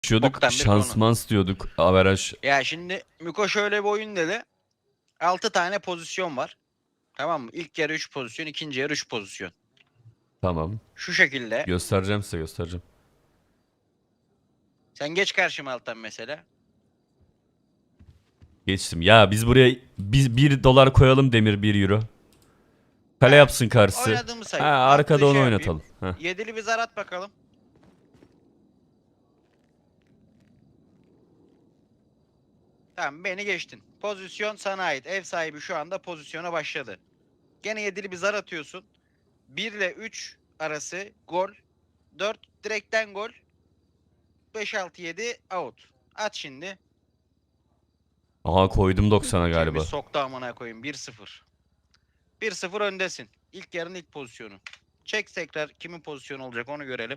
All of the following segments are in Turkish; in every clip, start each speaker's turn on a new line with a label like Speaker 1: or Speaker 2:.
Speaker 1: Diyorduk,
Speaker 2: Boktan bir
Speaker 1: şansmans diyorduk, averaj.
Speaker 2: Ya şimdi Miko şöyle bir oyun dedi. 6 tane pozisyon var. Tamam mı? İlk yarı 3 pozisyon, ikinci yarı 3 pozisyon.
Speaker 1: Tamam.
Speaker 2: Şu şekilde.
Speaker 1: Göstereceğim size, göstereceğim.
Speaker 2: Sen geç karşıma alttan mesela.
Speaker 1: Geçtim. Ya biz buraya biz 1 dolar koyalım, Demir 1 euro. Kale
Speaker 2: He.
Speaker 1: yapsın karşısı.
Speaker 2: Oynadığımı
Speaker 1: Ha,
Speaker 2: say.
Speaker 1: arkada
Speaker 2: Attığı
Speaker 1: onu
Speaker 2: şey
Speaker 1: oynatalım.
Speaker 2: yapayım. Yedili bir zar at bakalım. Tamam, beni geçtin. Pozisyon sana ait. Ev sahibi şu anda pozisyona başladı. Gene yedili bir zar atıyorsun. 1 ile 3 arası gol. 4 direkten gol. 5 6 7 out. At şimdi.
Speaker 1: Aha, koydum 90'a
Speaker 2: Kimi
Speaker 1: galiba.
Speaker 2: soktu amına koyayım. 1-0. 1-0 öndesin. İlk yarının ilk pozisyonu. Çek tekrar kimin pozisyonu olacak onu görelim.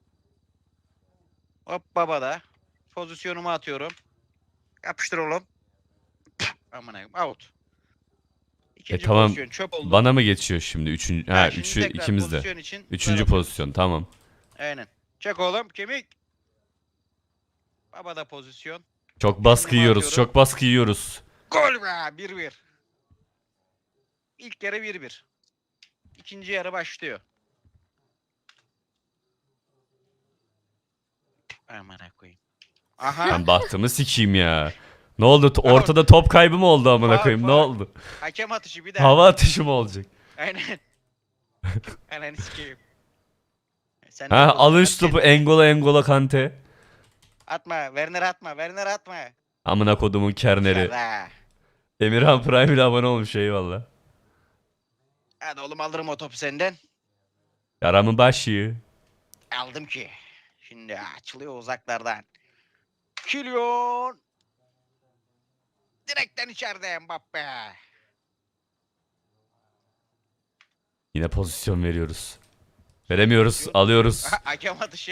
Speaker 2: Hop baba da. Pozisyonumu atıyorum. Yapıştır oğlum. Amına koyayım. Out. İkinci
Speaker 1: Tamam.
Speaker 2: pozisyon çöp oldu.
Speaker 1: Bana mı geçiyor şimdi? Üçüncü,
Speaker 2: Ha,
Speaker 1: ha,
Speaker 2: şimdi
Speaker 1: üçü
Speaker 2: tekrar
Speaker 1: ikimiz de.
Speaker 2: pozisyon için
Speaker 1: Üçüncü
Speaker 2: zar
Speaker 1: pozisyon, tamam.
Speaker 2: Aynen. Çek oğlum kemik. Baba da pozisyon.
Speaker 1: Çok baskı
Speaker 2: Kendimi
Speaker 1: yiyoruz,
Speaker 2: atıyorum.
Speaker 1: çok baskı yiyoruz.
Speaker 2: Gol be 1-1. İlk yarı 1-1. İkinci yarı başlıyor. Amına koyayım. Aha.
Speaker 1: Ben bahtımı sikeyim ya. Ne oldu?
Speaker 2: Out.
Speaker 1: Ortada top kaybı mı oldu amına
Speaker 2: Faul,
Speaker 1: koyayım? Ne
Speaker 2: faul.
Speaker 1: oldu?
Speaker 2: Hakem atışı bir daha.
Speaker 1: Hava atışı mı olacak?
Speaker 2: Aynen. Aynen sikeyim. Sen
Speaker 1: Ha,
Speaker 2: de
Speaker 1: alın
Speaker 2: at
Speaker 1: şu topu,
Speaker 2: kendini.
Speaker 1: Engola Kante.
Speaker 2: Atma. Werner atma. Werner atma.
Speaker 1: Amına kodumun kerneri.
Speaker 2: Şara.
Speaker 1: Emirhan Prime ile abone olmuş, eyvallah.
Speaker 2: Hadi oğlum alırım o topu senden.
Speaker 1: Yaramın başı.
Speaker 2: Aldım ki. Şimdi açılıyor uzaklardan. Kylian. Direkten içeride Mbappe.
Speaker 1: Yine pozisyon veriyoruz. Veremiyoruz, alıyoruz.
Speaker 2: Hakem atışı.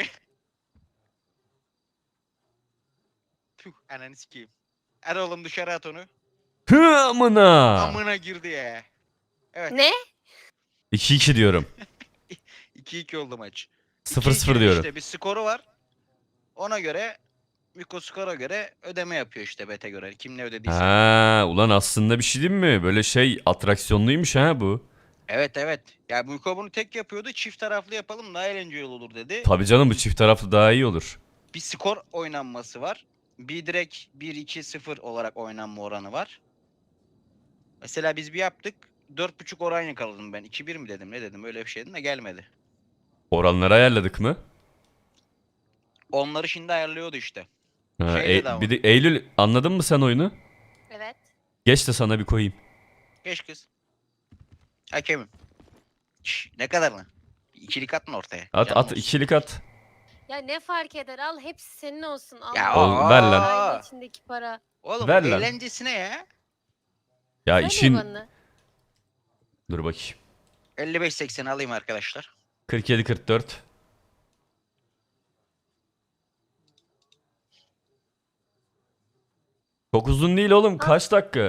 Speaker 2: Tüh ananı sikeyim. Hadi oğlum dışarı at onu.
Speaker 1: Hı amına.
Speaker 2: Amına girdi ya. Evet.
Speaker 3: Ne?
Speaker 1: 2-2 diyorum.
Speaker 2: 2-2 oldu maç.
Speaker 1: 0-0
Speaker 2: 2-2'nin
Speaker 1: diyorum.
Speaker 2: işte bir skoru var. Ona göre Miko skora göre ödeme yapıyor işte bete göre. Kim ne ödediyse.
Speaker 1: Ha, ulan aslında bir şey değil mi? Böyle şey atraksiyonluymuş ha bu.
Speaker 2: Evet evet. Ya Miko bunu tek yapıyordu. Çift taraflı yapalım daha eğlenceli olur dedi.
Speaker 1: Tabii canım, bu çift taraflı daha iyi olur.
Speaker 2: Bir skor oynanması var. Bir direkt 1-2-0 olarak oynanma oranı var. Mesela biz bir yaptık. 4.5 oran yakaladım ben. 2-1 mi dedim ne dedim öyle bir şeydi de gelmedi.
Speaker 1: Oranları ayarladık mı?
Speaker 2: Onları şimdi ayarlıyordu işte.
Speaker 1: Ha,
Speaker 2: Şeyde de ama.
Speaker 1: bir de Eylül, anladın mı sen oyunu?
Speaker 3: Evet.
Speaker 1: Geç de sana bir koyayım.
Speaker 2: Geç kız. Hakemim. Şş, ne kadar mı? İkilik atma ortaya.
Speaker 1: At
Speaker 2: Canım
Speaker 1: at,
Speaker 2: olsun.
Speaker 1: ikilik at.
Speaker 3: Ya ne fark eder? Al hepsi senin olsun. Al.
Speaker 2: Ya
Speaker 1: Oğlum, ver lan.
Speaker 3: Aile içindeki para.
Speaker 2: Oğlum
Speaker 1: Ver lan.
Speaker 2: eğlencesine ya.
Speaker 1: Ya
Speaker 3: Söyle
Speaker 1: işin...
Speaker 3: bana.
Speaker 1: Dur bakayım.
Speaker 2: 55-80 alayım arkadaşlar.
Speaker 1: 47-44. Çok uzun değil oğlum. Kaç dakika?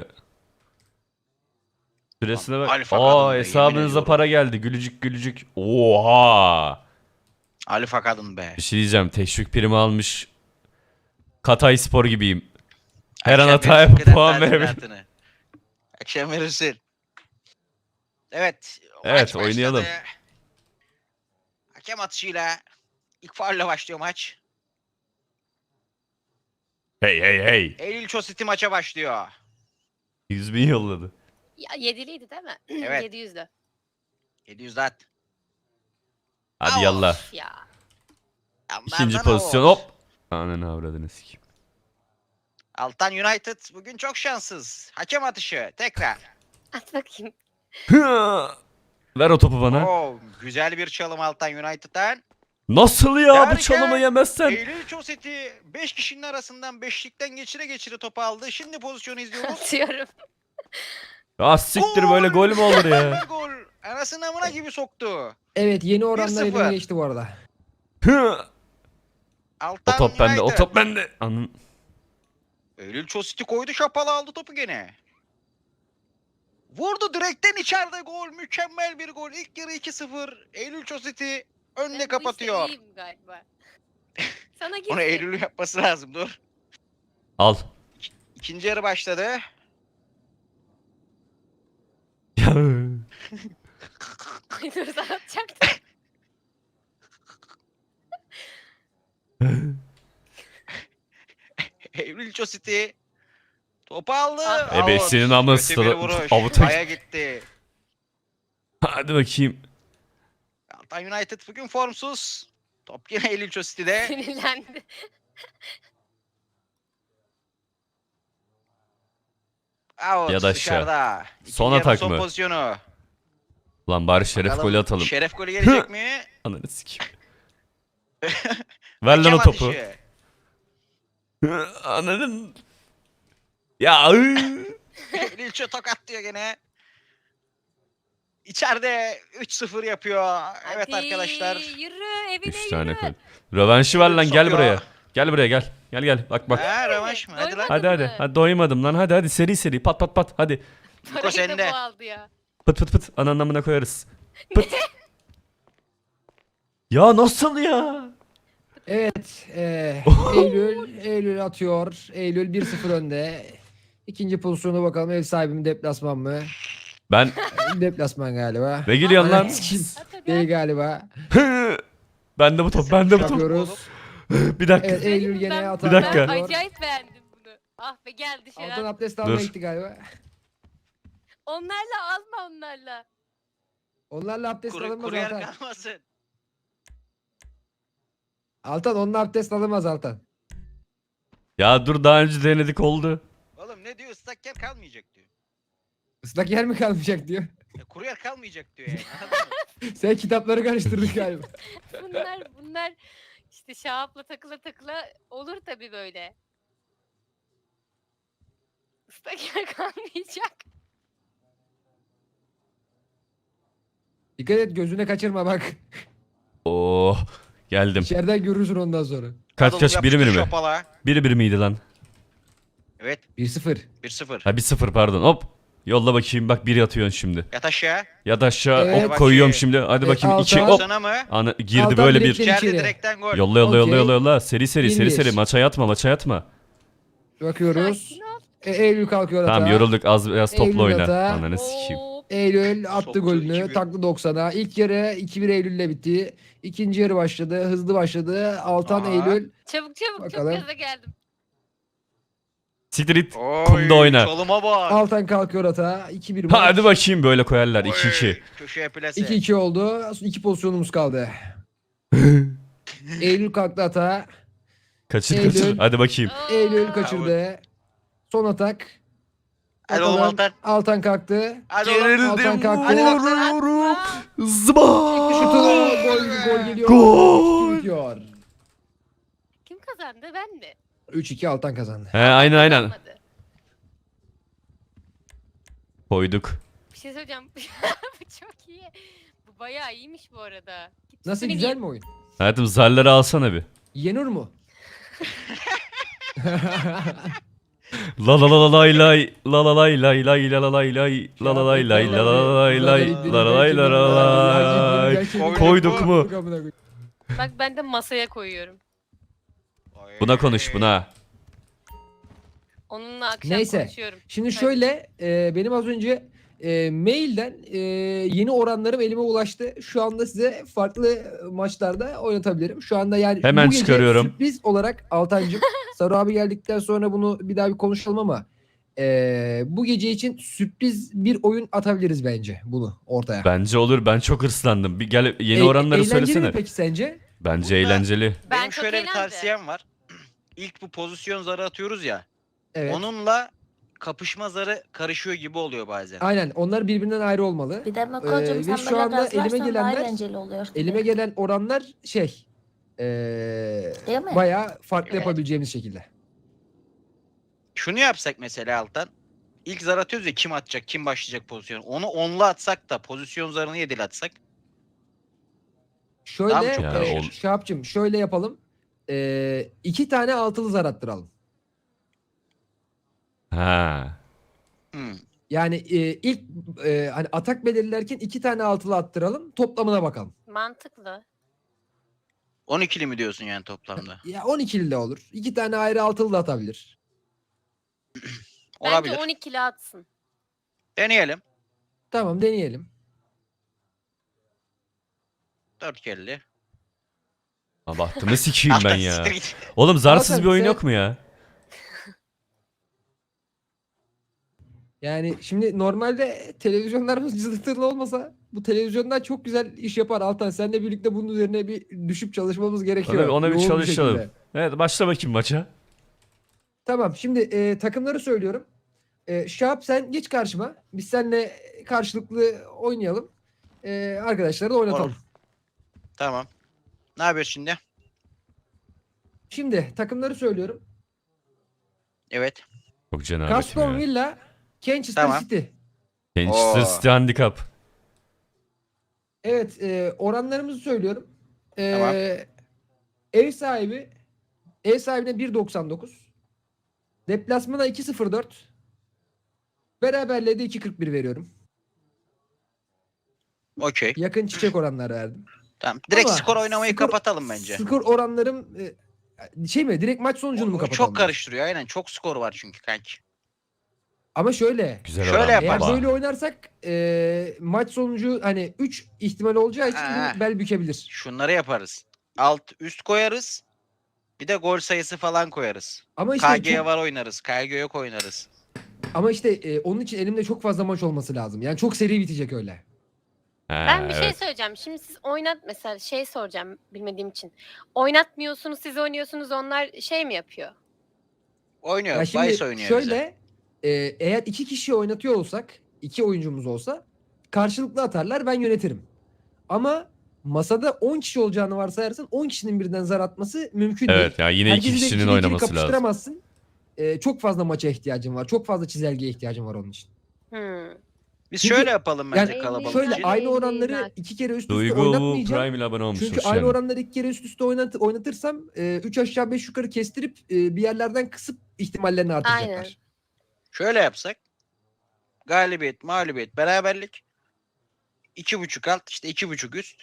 Speaker 1: Süresine
Speaker 2: Lan,
Speaker 1: bak.
Speaker 2: alfa kadın be,
Speaker 1: Hesabınıza
Speaker 2: yemin
Speaker 1: para geldi. Gülücük gülücük. Oha.
Speaker 2: Alfa kadın be.
Speaker 1: Bir şey diyeceğim. Teşvik primi almış. Katay Spor gibiyim. Her an
Speaker 2: Akşam
Speaker 1: hataya
Speaker 2: verirsin kıdem
Speaker 1: puan verebilirim.
Speaker 2: tazminatını. Akşam verirsin. Evet.
Speaker 1: Evet,
Speaker 2: Maç başladı.
Speaker 1: oynayalım.
Speaker 2: Hakem atışıyla ilk faulle başlıyor maç.
Speaker 1: Hey hey hey.
Speaker 2: Eylül Çositi maça başlıyor.
Speaker 1: 100.000 yolladı.
Speaker 3: Ya 7'liydi değil mi?
Speaker 2: Evet.
Speaker 3: 700'lü.
Speaker 2: 700 at.
Speaker 1: Hadi
Speaker 2: Al.
Speaker 1: yallah.
Speaker 3: Üf ya.
Speaker 1: İkinci pozisyon, hop. Ananı avradını sikeyim.
Speaker 2: Altan United bugün çok şanssız. Hakem atışı tekrar.
Speaker 3: At bakayım.
Speaker 1: Ver o topu bana.
Speaker 2: Oo, güzel bir çalım Altan United'dan.
Speaker 1: Nasıl ya bu
Speaker 2: Derken
Speaker 1: çalımı yemezsen?
Speaker 2: Eylül Çositi 5 kişinin arasından beşlikten geçire geçire topu aldı. Şimdi pozisyonu izliyoruz.
Speaker 3: Atıyorum.
Speaker 1: Ah siktir, böyle gol mü olur ya?
Speaker 2: Bir gol. Anasının amına gibi soktu.
Speaker 4: Evet, yeni oranlar
Speaker 2: 1-0.
Speaker 4: elime geçti bu arada.
Speaker 2: Altan
Speaker 1: O top bende, o
Speaker 2: United.
Speaker 1: top bende. Anın.
Speaker 2: Eylül Çositi koydu şapalı aldı topu gene. Vurdu direkten içeride gol. Mükemmel bir gol. İlk yarı 2-0. Eylül Çositi önde
Speaker 3: Ben bu işte
Speaker 2: kapatıyor.
Speaker 3: iyiyim galiba. Sana girsin.
Speaker 2: Onu Eylül'ün yapması lazım, dur.
Speaker 1: Al.
Speaker 2: İkinci yarı başladı.
Speaker 1: Ya.
Speaker 3: Ay dur sana atacaktım.
Speaker 2: Eylül City topu aldı.
Speaker 3: Ah.
Speaker 1: Ebesinin
Speaker 2: Out.
Speaker 1: aması
Speaker 2: Kötü bir
Speaker 1: da-
Speaker 2: vuruş.
Speaker 1: avuta-
Speaker 2: Aya gitti.
Speaker 1: Hadi bakayım.
Speaker 2: Altan United bugün formsuz. Top yine Eylül City'de.
Speaker 3: Sinirlendi.
Speaker 2: Out
Speaker 1: Ya da aşağı.
Speaker 2: dışarıda. İkinci
Speaker 1: Son
Speaker 2: yarı
Speaker 1: atak
Speaker 2: son
Speaker 1: mı?
Speaker 2: pozisyonu.
Speaker 1: Lan bari şeref
Speaker 2: Bakalım,
Speaker 1: golü atalım.
Speaker 2: Şeref golü gelecek mi?
Speaker 1: Ananı sikeyim. Ver lan o
Speaker 2: Hakem
Speaker 1: topu.
Speaker 2: atışı.
Speaker 1: Ananın. Ya.
Speaker 2: Lilço tokatlıyor gene. İçeride 3-0 yapıyor. Evet
Speaker 3: Hadi,
Speaker 2: arkadaşlar.
Speaker 3: Yürü evine
Speaker 1: 3 tane
Speaker 3: yürü.
Speaker 1: gol. Rövanşı ver lan, gel
Speaker 2: Sokuyor.
Speaker 1: buraya. Gel buraya gel. Gel gel. Bak bak.
Speaker 2: Ha, rövanş mı? Hadi lan.
Speaker 3: Doymadın
Speaker 1: Hadi hadi.
Speaker 3: mı?
Speaker 1: Hadi doymadım lan. Hadi hadi seri seri. Pat pat pat. Hadi.
Speaker 2: Niko
Speaker 3: Parayı da
Speaker 2: sende.
Speaker 3: bu aldı ya.
Speaker 1: Pıt pıt pıt. Ananın amına koyarız. Pıt. Ya nasıl ya?
Speaker 4: Evet, Eylül atıyor. Eylül 1-0 önde. İkinci pozisyona bakalım, ev sahibi mi deplasman mı?
Speaker 1: Ben
Speaker 4: Deplasman galiba.
Speaker 1: ne gülüyorsun lan?
Speaker 4: Ananı sikeyim.
Speaker 3: At hadi.
Speaker 4: Değil galiba.
Speaker 1: Ben de bu top. Ben de bu top.
Speaker 4: Yapıyoruz.
Speaker 1: Bir dakika.
Speaker 4: Evet, Eylül
Speaker 3: Ben-
Speaker 4: gene
Speaker 1: Bir
Speaker 4: atar.
Speaker 1: dakika.
Speaker 3: Ben acayip beğendim bunu. Ah be gel dışarı.
Speaker 4: Altan
Speaker 3: at.
Speaker 4: abdest almaya
Speaker 1: Dur.
Speaker 4: gitti galiba.
Speaker 3: Onlarla alma onlarla.
Speaker 4: Onlarla abdest alınmaz
Speaker 2: Kuru yer
Speaker 4: Altan.
Speaker 2: kalmasın.
Speaker 4: Altan, onunla abdest alınmaz Altan.
Speaker 1: Ya dur, daha önce denedik oldu.
Speaker 2: Oğlum ne diyor? Islak yer kalmayacak diyor.
Speaker 4: Islak yer mi kalmayacak diyor.
Speaker 2: Kuru yer kalmayacak diyor yani. Anladın mı?
Speaker 4: Sen kitapları karıştırdın galiba.
Speaker 3: Bunlar işte Şahap'la takıla takıla olur tabii böyle. Islak yer kalmayacak.
Speaker 4: Dikkat et, gözüne kaçırma bak.
Speaker 1: Oh. Geldim.
Speaker 4: İçeriden görürsün ondan sonra.
Speaker 1: Kaç
Speaker 2: Adamı
Speaker 1: kaç, biri
Speaker 2: yapıştır
Speaker 1: mi?
Speaker 2: şopala.
Speaker 1: Biri miydi lan?
Speaker 2: Evet
Speaker 4: 1-0.
Speaker 2: 1-0.
Speaker 1: Ha 1-0 pardon. Hop. Yolla bakayım, bak biri atıyorsun şimdi.
Speaker 2: Yat aşağı.
Speaker 1: Ya da aşağı
Speaker 4: Evet.
Speaker 1: hop koyuyorum şimdi. Hadi bakayım
Speaker 4: Altan.
Speaker 1: 2
Speaker 4: Hop.
Speaker 1: hop.
Speaker 2: Sana mı?
Speaker 1: Ana girdi
Speaker 4: Altan
Speaker 1: böyle bir.
Speaker 4: direkten
Speaker 2: İçeride
Speaker 4: içeri.
Speaker 2: direkten gol.
Speaker 1: Yolla yolla yolla
Speaker 4: Okey.
Speaker 1: yolla yolla. Seri seri seri
Speaker 4: 1-1.
Speaker 1: seri. Maça yatma, maça yatma.
Speaker 4: Bakıyoruz.
Speaker 3: Sakin ol.
Speaker 4: Eylül kalkıyor hata.
Speaker 1: Tamam yorulduk, az biraz topla
Speaker 4: Eylül
Speaker 1: oyna.
Speaker 4: hata.
Speaker 1: Ananı sikeyim.
Speaker 3: Hop.
Speaker 4: Eylül attı
Speaker 2: Soktu,
Speaker 4: golünü.
Speaker 2: 2-1.
Speaker 4: Taklı 90'a. İlk yarı 2-1 Eylül'le bitti. İkinci yarı başladı. Hızlı başladı. Altan
Speaker 2: Aha.
Speaker 4: Eylül.
Speaker 3: Çabuk çabuk
Speaker 4: Bakalım.
Speaker 3: çok gaza geldim.
Speaker 1: Siktir it.
Speaker 2: Oy,
Speaker 1: Kumda oyna.
Speaker 2: Çalıma bak.
Speaker 4: Altan kalkıyor hata. 2-1 maç.
Speaker 1: Hadi bakayım, böyle koyarlar.
Speaker 2: Oy,
Speaker 1: 2-2.
Speaker 2: Köşeye plase.
Speaker 4: 2-2 oldu. 2 pozisyonumuz kaldı. Eylül kalktı hata.
Speaker 1: Kaçır
Speaker 4: Eylül.
Speaker 1: kaçır. Hadi bakayım.
Speaker 4: Eylül
Speaker 3: Oo.
Speaker 4: kaçırdı. Son atak.
Speaker 2: Hadi oğlum
Speaker 4: Bakalım.
Speaker 2: Altan.
Speaker 4: Altan kalktı.
Speaker 2: Hadi oğlum.
Speaker 4: Altan kalktı.
Speaker 1: vururum.
Speaker 4: Şutu.
Speaker 1: Zıba.
Speaker 4: Gol geliyor.
Speaker 1: Gol.
Speaker 4: 2-2 bitiyor.
Speaker 3: Kim kazandı ben mi?
Speaker 4: 3-2 Altan kazandı.
Speaker 1: He aynen aynen.
Speaker 3: Kazanmadı.
Speaker 1: Koyduk.
Speaker 3: Bir şey söyleyeceğim. Bu çok iyi. Bu bayağı iyiymiş bu arada. Git
Speaker 4: Nasıl,
Speaker 3: üstüne
Speaker 4: güzel
Speaker 3: giy.
Speaker 4: mi oyun?
Speaker 1: Hayatım zarları alsana bir.
Speaker 4: Yenur mu?
Speaker 1: La la la la lay lay la la lay lay lay la la lay lay la la lay lay la la lay lay la la lay la la lay. Koyduk mu?
Speaker 3: Bak ben de masaya koyuyorum.
Speaker 2: Oy.
Speaker 1: Buna konuş buna.
Speaker 3: Onunla akşam
Speaker 4: Neyse.
Speaker 3: konuşuyorum.
Speaker 4: Şimdi
Speaker 3: Hadi.
Speaker 4: şöyle benim az önce mailden yeni oranlarım elime ulaştı. Şu anda size farklı maçlarda oynatabilirim. Şu anda yani
Speaker 1: Hemen
Speaker 4: bu gece
Speaker 1: çıkarıyorum.
Speaker 4: sürpriz olarak Altancığım Saru abi geldikten sonra bunu bir daha bir konuşalım ama bu gece için sürpriz bir oyun atabiliriz bence bunu ortaya.
Speaker 1: Bence olur. Ben çok hırslandım. Bir gel yeni
Speaker 4: E-
Speaker 1: oranları
Speaker 4: eğlenceli mi
Speaker 1: söylesene.
Speaker 4: peki sence?
Speaker 1: Bence
Speaker 2: Burada-
Speaker 1: eğlenceli.
Speaker 3: Ben
Speaker 2: Benim
Speaker 3: çok
Speaker 2: şöyle bir
Speaker 3: eğlendim.
Speaker 2: tavsiyem var. İlk bu pozisyon zarı atıyoruz ya.
Speaker 4: Evet.
Speaker 2: Onunla kapışma zarı karışıyor gibi oluyor bazen.
Speaker 4: Aynen, onlar birbirinden ayrı olmalı.
Speaker 5: Bir de
Speaker 4: Ve
Speaker 5: Mako'cum sen
Speaker 4: şu
Speaker 5: böyle
Speaker 4: anda
Speaker 5: gaz
Speaker 4: elime
Speaker 5: versen daha
Speaker 4: gelenler-
Speaker 5: eğlenceli oluyor.
Speaker 4: Elime gelen oranlar şey
Speaker 5: Değil mi?
Speaker 4: bayağı farklı
Speaker 2: Evet.
Speaker 4: yapabileceğimiz şekilde.
Speaker 2: Şunu yapsak mesela Altan. İlk zar atıyoruz ya, kim atacak, kim başlayacak pozisyon. Onu onla atsak da pozisyon zarını yedili atsak.
Speaker 4: Şöyle
Speaker 2: Daha mı çok
Speaker 1: karışır?
Speaker 4: Şahapcığım şöyle yapalım. 2 tane altılı zar attıralım.
Speaker 1: Ha.
Speaker 2: Hmm.
Speaker 4: Yani ilk hani atak belirlerken 2 tane altılı attıralım. Toplamına bakalım.
Speaker 3: Mantıklı.
Speaker 2: 12'li mi diyorsun yani toplamda?
Speaker 4: Ya 12'li de olur. 2 tane ayrı altılı da atabilir.
Speaker 2: Olabilir.
Speaker 3: Bence 12'li atsın.
Speaker 2: Deneyelim.
Speaker 4: Tamam deneyelim.
Speaker 2: 4 kelli.
Speaker 1: Ha, bahtımı sikeyim ben ya.
Speaker 2: Siktir git.
Speaker 1: Oğlum zarsız
Speaker 4: Hakan,
Speaker 1: bir oyun
Speaker 4: sen-
Speaker 1: yok mu ya?
Speaker 4: Yani şimdi normalde televizyonlarımız cızırtılı olmasa bu televizyondan çok güzel iş yapar Altan. Seninle birlikte bunun üzerine bir düşüp çalışmamız gerekiyor.
Speaker 1: Ona bir
Speaker 4: Yoğun
Speaker 1: çalışalım.
Speaker 4: şekilde.
Speaker 1: Evet, başla bakayım maça.
Speaker 4: Tamam şimdi takımları söylüyorum. Şahap sen geç karşıma. Biz seninle karşılıklı oynayalım. Arkadaşları da oynatalım.
Speaker 2: Olur. Tamam. Ne yapıyoruz şimdi?
Speaker 4: Şimdi takımları söylüyorum.
Speaker 2: Evet.
Speaker 1: Çok cenabetim
Speaker 4: Aston
Speaker 1: ya.
Speaker 4: Villa, Manchester
Speaker 2: Tamam.
Speaker 4: City.
Speaker 1: Manchester
Speaker 2: Oo.
Speaker 1: City Handicap.
Speaker 4: Evet oranlarımızı söylüyorum.
Speaker 2: Tamam.
Speaker 4: Ev sahibine 1.99. Deplasmana 2.04. Beraberliğe de 2.41 veriyorum.
Speaker 2: Okey.
Speaker 4: Yakın çiçek oranlar verdim.
Speaker 2: Tamam. Direkt
Speaker 4: Ama
Speaker 2: skor oynamayı
Speaker 4: skor-
Speaker 2: kapatalım bence.
Speaker 4: Skor oranlarım şey mi? Direkt maç sonucunu mu
Speaker 2: O
Speaker 4: kapatalım?
Speaker 2: çok karıştırıyor aynen. Çok skor var çünkü kanki.
Speaker 4: Ama şöyle.
Speaker 1: Güzel
Speaker 2: Şöyle
Speaker 1: oran
Speaker 2: yaparız.
Speaker 4: Eğer
Speaker 1: baba.
Speaker 4: böyle oynarsak maç sonucu hani 3 ihtimal olacağı için
Speaker 2: Ha.
Speaker 4: bu bel bükebilir.
Speaker 2: Şunları yaparız. Alt üst koyarız. Bir de gol sayısı falan koyarız.
Speaker 4: Ama işte
Speaker 2: KG var oynarız. KG yok oynarız.
Speaker 4: ama işte onun için elimde çok fazla maç olması lazım. Yani çok seri bitecek öyle.
Speaker 3: Ben bir şey
Speaker 1: evet.
Speaker 3: söyleyeceğim. Şimdi siz mesela şey soracağım bilmediğim için. Oynatmıyorsunuz, siz oynuyorsunuz, onlar şey mi yapıyor?
Speaker 2: Oynuyor.
Speaker 4: Ya şimdi
Speaker 2: Vice oynuyor
Speaker 4: şöyle
Speaker 2: bize.
Speaker 4: eğer 2 kişi oynatıyor olsak, 2 oyuncumuz olsa karşılıklı atarlar, ben yönetirim. Ama masada 10 kişi olacağını varsayarsan 10 kişinin birden zar atması mümkün değil.
Speaker 1: Evet ya yine iki
Speaker 4: Herkesi de
Speaker 1: kişinin
Speaker 4: ikili ikili
Speaker 1: oynaması lazım.
Speaker 4: kapıştıramazsın. Çok fazla maça ihtiyacın var. Çok fazla çizelgeye ihtiyacın var onun için.
Speaker 2: Biz
Speaker 4: Çünkü-
Speaker 2: şöyle yapalım bence
Speaker 4: Yani
Speaker 2: kalabalık
Speaker 4: şöyle
Speaker 2: için.
Speaker 4: aynı
Speaker 3: Elli,
Speaker 4: oranları
Speaker 3: elli.
Speaker 4: 2 kere üst üste
Speaker 1: Duygu
Speaker 4: oynatmayacağım.
Speaker 1: Prime ile abone olmuş.
Speaker 4: Çünkü
Speaker 1: Hoş
Speaker 4: aynı
Speaker 1: geldin.
Speaker 4: oranları 2 kere üst üste oynatırsam 3 aşağı 5 yukarı kestirip bir yerlerden kısıp ihtimallerini artıracaklar.
Speaker 3: Aynen.
Speaker 2: Şöyle yapsak. Galibiyet, mağlubiyet, beraberlik. 2.5 alt işte 2.5 üst.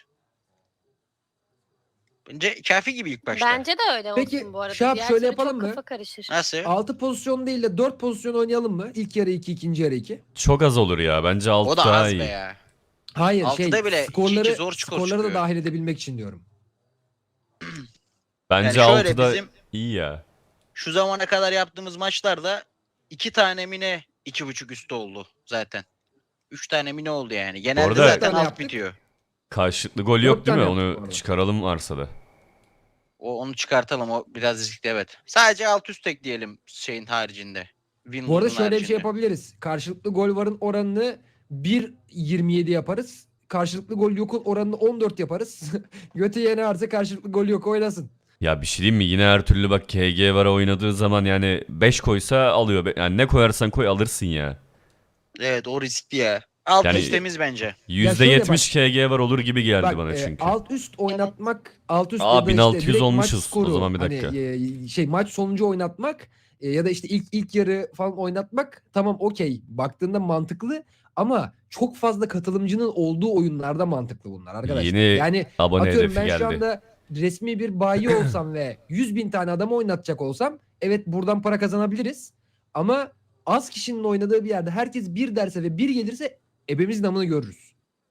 Speaker 2: Bence kafi gibi ilk başta.
Speaker 3: Bence de öyle
Speaker 4: Peki,
Speaker 3: olsun bu arada.
Speaker 4: Şahap,
Speaker 3: Diğer
Speaker 4: şöyle
Speaker 3: türlü
Speaker 4: yapalım
Speaker 3: çok
Speaker 4: mı?
Speaker 3: kafa karışır.
Speaker 2: Nasıl?
Speaker 4: 6 pozisyon değil de 4 pozisyon oynayalım mı? İlk yarı 2, ikinci yarı 2.
Speaker 1: Çok az olur ya. Bence alt
Speaker 2: O da
Speaker 1: daha
Speaker 2: az
Speaker 1: iyi.
Speaker 2: be ya.
Speaker 4: Hayır
Speaker 2: Altıda bile 2-2 zor skor
Speaker 4: skorları da
Speaker 2: çıkıyor.
Speaker 4: dahil edebilmek için diyorum.
Speaker 1: Bence
Speaker 2: Yani şöyle
Speaker 1: altıda
Speaker 2: bizim
Speaker 1: iyi ya.
Speaker 2: şu zamana kadar yaptığımız maçlarda 2 tane mine 2.5 üstü oldu zaten. 3 tane mine oldu yani. Genelde
Speaker 1: arada-
Speaker 2: zaten
Speaker 4: Tane
Speaker 2: alt
Speaker 4: yaptık.
Speaker 2: bitiyor.
Speaker 1: Karşılıklı gol yok
Speaker 4: 4
Speaker 1: değil mi?
Speaker 4: tane yaptık bu
Speaker 1: Onu
Speaker 4: arada.
Speaker 1: çıkaralım varsa da.
Speaker 2: Onu çıkartalım, o biraz riskli evet. Sadece alt üst ekleyelim şeyin haricinde.
Speaker 4: Bu arada
Speaker 2: Windows
Speaker 4: şöyle bir şey
Speaker 2: haricinde.
Speaker 4: yapabiliriz. Karşılıklı gol varın oranını 1.27 yaparız. Karşılıklı gol yokun oranını 14 yaparız. Götü yene varsa karşılıklı gol yok oynasın.
Speaker 1: Ya bir şey diyeyim mi? Yine her türlü bak KG var oynadığı zaman yani 5 koysa alıyor. Yani ne koyarsan koy alırsın ya.
Speaker 2: Evet o riskli ya. Alt
Speaker 1: Yani-
Speaker 2: üst temiz bence.
Speaker 1: %70 KG var olur gibi geldi
Speaker 4: Bak
Speaker 1: bana çünkü.
Speaker 4: alt üst oynatmak, alt üst
Speaker 1: Aa,
Speaker 4: ya da
Speaker 1: 1600
Speaker 4: direkt maç
Speaker 1: olmuşuz. O
Speaker 4: skoru,
Speaker 1: zaman bir dakika.
Speaker 4: Hani, maç sonucu oynatmak ya da işte ilk yarı falan oynatmak tamam okey. Baktığında mantıklı ama çok fazla katılımcının olduğu oyunlarda mantıklı bunlar arkadaşlar.
Speaker 1: Yeni
Speaker 4: Yani
Speaker 1: Abone
Speaker 4: atıyorum
Speaker 1: hedefi
Speaker 4: ben
Speaker 1: geldi.
Speaker 4: şu anda resmi bir bayi olsam ve 100.000 tane adamı oynatacak olsam evet buradan para kazanabiliriz. Ama az kişinin oynadığı bir yerde herkes bir derse ve bir gelirse ebemizin namını görürüz.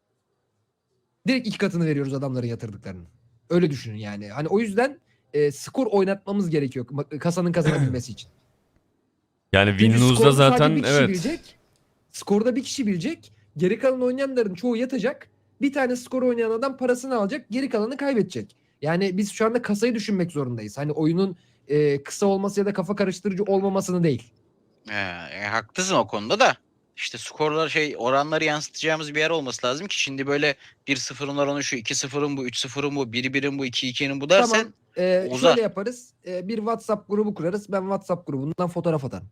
Speaker 4: Direkt 2 katını veriyoruz adamların yatırdıklarının. Öyle düşünün yani. Hani o yüzden skor oynatmamız gerekiyor kasanın kazanabilmesi için.
Speaker 1: Yani
Speaker 4: Çünkü
Speaker 1: Winlows'da
Speaker 4: skoru sadece
Speaker 1: zaten
Speaker 4: bir kişi
Speaker 1: evet.
Speaker 4: bilecek. Skorda bir kişi bilecek. Geri kalan oynayanların çoğu yatacak. Bir tane skor oynayan adam parasını alacak. Geri kalanı kaybedecek. Yani biz şu anda kasayı düşünmek zorundayız. Hani oyunun kısa olması ya da kafa karıştırıcı olmamasını değil.
Speaker 2: Haklısın o konuda da. İşte skorlar oranları yansıtacağımız bir yer olması lazım ki şimdi böyle 1-0'ın oranı şu, 2-0'ın bu, 3-0'ın bu, 1-1'in bu, 2-2'nin bu dersen
Speaker 4: Tamam.
Speaker 2: uzar.
Speaker 4: Şöyle yaparız. Bir WhatsApp grubu kurarız. Ben WhatsApp grubundan fotoğraf atarım.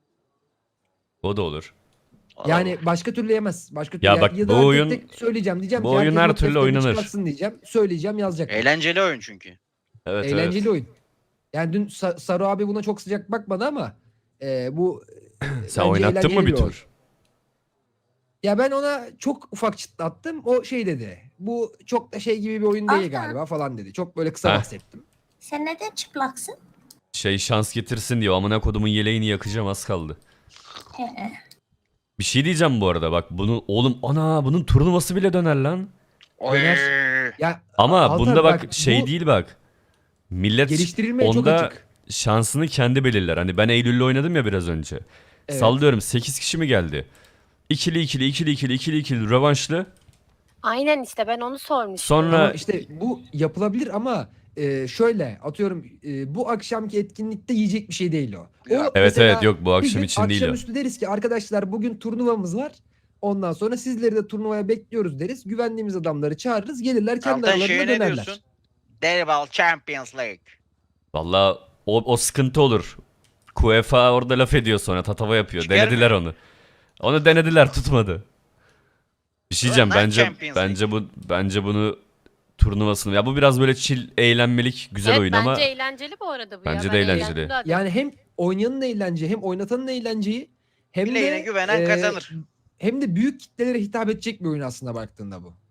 Speaker 1: O da olur.
Speaker 4: Yani başka türlü yemez. Başka türlü
Speaker 1: Ya bak,
Speaker 4: ya
Speaker 1: bu
Speaker 4: da tek
Speaker 1: oyun-
Speaker 4: tek söyleyeceğim diyeceğim
Speaker 1: bu
Speaker 4: ki
Speaker 1: oyun
Speaker 4: herkes
Speaker 1: her
Speaker 4: not
Speaker 1: türlü
Speaker 4: defterini
Speaker 1: oynanır.
Speaker 4: çıkartsın diyeceğim. Söyleyeceğim yazacak.
Speaker 2: Eğlenceli oyun çünkü.
Speaker 1: Evet
Speaker 4: Eğlenceli
Speaker 1: evet.
Speaker 4: oyun. Yani dün Saru abi buna çok sıcak bakmadı ama bu
Speaker 1: Sen
Speaker 4: bence
Speaker 1: oynattın mı
Speaker 4: eğlenceli
Speaker 1: bir
Speaker 4: bir oyun.
Speaker 1: tur?
Speaker 4: Ya ben ona çok ufak çıtlattım. O şey dedi. Bu çok da şey gibi bir oyun değil
Speaker 5: Aha.
Speaker 4: galiba falan dedi. Çok böyle kısa
Speaker 1: Heh.
Speaker 4: bahsettim.
Speaker 5: Sen neden çıplaksın?
Speaker 1: Şey şans getirsin diyor. Amına kodumun yeleğini yakacağım, az kaldı.
Speaker 5: He.
Speaker 1: Bir şey diyeceğim bu arada, bak bunu oğlum, ana bunun turnuvası bile döner lan.
Speaker 4: Oynar. Ya
Speaker 1: Ama
Speaker 4: Altan
Speaker 1: bunda bak
Speaker 4: bak,
Speaker 1: şey
Speaker 4: bu
Speaker 1: değil bak. Millet
Speaker 4: geliştirilmeye çok
Speaker 1: onda
Speaker 4: açık.
Speaker 1: şansını kendi belirler. Hani ben Eylül'le oynadım ya biraz önce.
Speaker 4: Evet.
Speaker 1: Sallıyorum 8 kişi mi geldi? İkili ikili ikili ikili ikili ikili rövanşlı.
Speaker 3: Aynen işte ben onu sormuştum.
Speaker 1: Sonra
Speaker 4: Ama işte bu yapılabilir ama şöyle atıyorum bu akşamki etkinlikte yiyecek bir şey değil o.
Speaker 2: Ya.
Speaker 1: evet
Speaker 4: mesela
Speaker 1: evet, yok bu
Speaker 4: bir
Speaker 1: akşam
Speaker 4: gün
Speaker 1: için değil o.
Speaker 4: akşamüstü deriz ki arkadaşlar bugün turnuvamız var. Ondan sonra sizleri de turnuvaya bekliyoruz deriz. Güvendiğimiz adamları çağırırız. Gelirler kendi
Speaker 2: Altan şeye
Speaker 4: aralarında
Speaker 2: ne
Speaker 4: dönerler.
Speaker 2: diyorsun? Deribal Champions League.
Speaker 1: Valla o sıkıntı olur. UEFA orada laf ediyor, sonra tatava yapıyor.
Speaker 2: Çıkar
Speaker 1: Denediler
Speaker 2: mı?
Speaker 1: onu. Onu denediler, tutmadı. Bir şey diyeceğim,
Speaker 2: Ulan
Speaker 1: bence
Speaker 2: Champions
Speaker 1: bence bunu turnuvasını, ya bu biraz böyle chill, eğlenmelik, güzel
Speaker 3: Evet,
Speaker 1: oyun
Speaker 3: bence
Speaker 1: ama
Speaker 3: eğlenceli bu arada bu
Speaker 1: Bence
Speaker 3: ya.
Speaker 1: de
Speaker 3: Ben
Speaker 1: eğlenceli.
Speaker 3: eğlendim zaten.
Speaker 4: Yani hem oynayanın eğlence hem oynatanın eğlenceyi hem
Speaker 2: Bileğine
Speaker 4: de
Speaker 2: güvenen kazanır.
Speaker 4: hem de büyük kitlelere hitap edecek bir oyun aslında baktığında bu.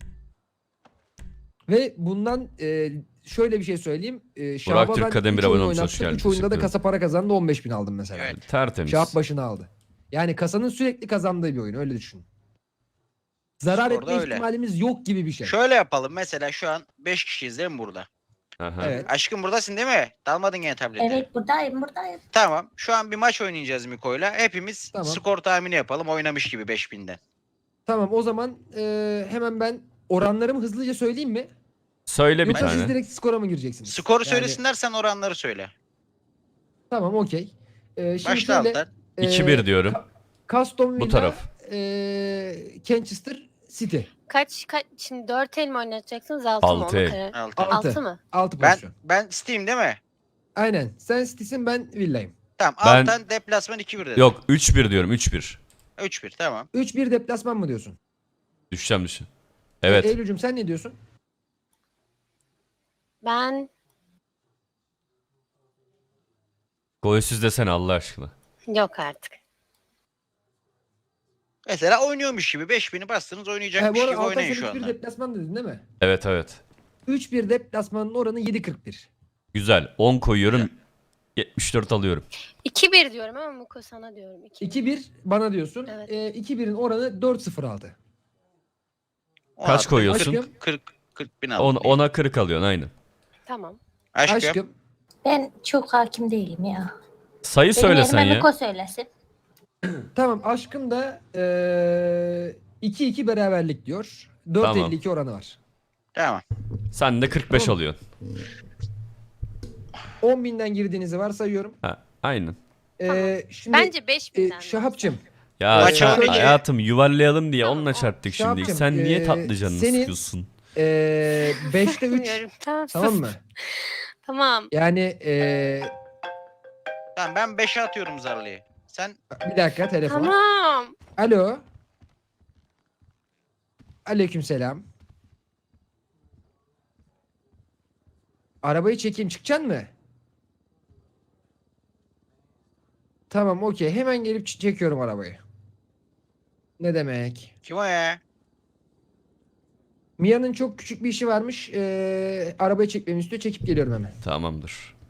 Speaker 4: Ve bundan şöyle bir şey söyleyeyim. Şahap'a
Speaker 1: Türk
Speaker 4: ben
Speaker 1: Kademir
Speaker 4: 3
Speaker 1: abone
Speaker 4: oyun
Speaker 1: olmuş, hoş
Speaker 4: oynattım.
Speaker 1: geldin,
Speaker 4: 3 oyunda da
Speaker 1: teşekkür
Speaker 4: kasa para kazandı, 15.000 aldım mesela.
Speaker 2: Evet.
Speaker 1: tertemiz.
Speaker 4: Şahap başına aldı. Yani kasanın sürekli kazandığı bir oyun, öyle düşün. Zarar
Speaker 2: Sporda
Speaker 4: etme
Speaker 2: öyle.
Speaker 4: ihtimalimiz yok gibi bir şey.
Speaker 2: Şöyle yapalım. Mesela şu an 5 kişiyiz değil mi burada?
Speaker 1: Aha.
Speaker 4: Evet.
Speaker 2: Aşkım buradasın değil mi? Dalmadın gene tablete.
Speaker 5: Evet buradayım.
Speaker 2: Tamam. Şu an bir maç oynayacağız Miko'yla. Hepimiz
Speaker 4: Tamam.
Speaker 2: skor tahmini yapalım. Oynamış gibi 5000'den.
Speaker 4: Tamam, o zaman hemen ben oranlarımı hızlıca söyleyeyim mi?
Speaker 1: Söyle bir
Speaker 4: Yoksa siz
Speaker 1: tane.
Speaker 4: direkt skora mı gireceksiniz?
Speaker 2: Skoru
Speaker 4: Yani-
Speaker 2: söylesinler, sen oranları söyle.
Speaker 4: Tamam, okey. Şimdi
Speaker 2: Başla
Speaker 4: şöyle,
Speaker 2: Altan.
Speaker 1: 2-1 diyorum.
Speaker 4: Aston
Speaker 1: Bu
Speaker 4: Villa,
Speaker 1: taraf.
Speaker 4: Manchester City.
Speaker 3: Kaç şimdi 4 el mi oynatacaksınız 6 mı?
Speaker 1: Altı
Speaker 3: Onu
Speaker 1: el.
Speaker 3: karar-
Speaker 2: Altan.
Speaker 3: 6 mı?
Speaker 4: 6 pozisyon.
Speaker 2: Ben Steam değil mi?
Speaker 4: Aynen. Sen City'sin, ben Villa'yım.
Speaker 2: Tamam.
Speaker 1: Ben-
Speaker 2: Altan deplasman 2-1 dedi.
Speaker 1: Yok 3-1 diyorum, 3-1.
Speaker 2: 3-1 tamam.
Speaker 4: 3-1 deplasman mı diyorsun?
Speaker 1: Düşeceğim. Evet.
Speaker 4: Eylül'cüm sen ne diyorsun?
Speaker 3: Ben
Speaker 1: Golsüz desene Allah aşkına.
Speaker 3: yok artık.
Speaker 2: Mesela oynuyormuş gibi 5000'i bastınız,
Speaker 4: Bu
Speaker 2: oynayacakmış
Speaker 4: arada
Speaker 2: gibi
Speaker 4: Altan
Speaker 2: oynayın
Speaker 4: sen
Speaker 2: şu
Speaker 4: 3-1
Speaker 2: anda.
Speaker 4: deplasman dedin değil mi?
Speaker 1: Evet evet.
Speaker 4: 3-1 deplasmanın oranı 7.41.
Speaker 1: Güzel. 10 koyuyorum. 74 alıyorum.
Speaker 3: 2-1 diyorum ama Muko sana diyorum. 2-1.
Speaker 4: 2-1 bana diyorsun.
Speaker 3: Evet.
Speaker 4: 2-1'in oranı 4-0 aldı.
Speaker 1: Kaç koyuyorsun?
Speaker 2: 40 bin aldım.
Speaker 1: 10'a 40 alıyorsun aynı.
Speaker 3: Tamam.
Speaker 2: Aşkım.
Speaker 4: Aşkım.
Speaker 5: Ben çok hakim değilim ya.
Speaker 1: Sayı
Speaker 5: Benim
Speaker 1: söylesen
Speaker 5: yerime
Speaker 1: ya.
Speaker 5: Miko söylesin.
Speaker 4: Tamam, aşkım da 2-2 beraberlik diyor. 4.52 oranı var.
Speaker 2: Tamam.
Speaker 1: Sen de 45
Speaker 4: Tamam.
Speaker 1: alıyorsun.
Speaker 4: 10.000'den girdiğinizi varsayıyorum.
Speaker 1: Ha, aynen.
Speaker 4: Şimdi
Speaker 3: Bence 5.000'den.
Speaker 4: Şahapçım.
Speaker 1: Ya
Speaker 2: Maç
Speaker 1: sen
Speaker 2: önce-
Speaker 1: hayatım yuvarlayalım diye
Speaker 3: Tamam,
Speaker 1: onunla çarptık
Speaker 4: şey
Speaker 1: şimdi.
Speaker 4: yapacağım,
Speaker 1: Sen niye tatlı canını
Speaker 4: senin-
Speaker 1: sıkıyorsun?
Speaker 4: 5'te 3
Speaker 3: Bilmiyorum. Tamam,
Speaker 4: tamam
Speaker 3: sus.
Speaker 4: mı?
Speaker 3: Tamam.
Speaker 4: Yani
Speaker 2: Tamam, ben 5'e atıyorum zarlıyı. Sen
Speaker 4: bir dakika, telefon.
Speaker 3: Tamam.
Speaker 4: Alo. Aleykümselam. Arabayı çekeyim, çıkacaksın mı? Tamam, okey. Hemen gelip çekiyorum arabayı. Ne demek?
Speaker 2: kim o ya?
Speaker 4: Mia'nın çok küçük bir işi varmış. Arabayı çekmemi istiyor. Çekip geliyorum hemen.
Speaker 1: Tamamdır.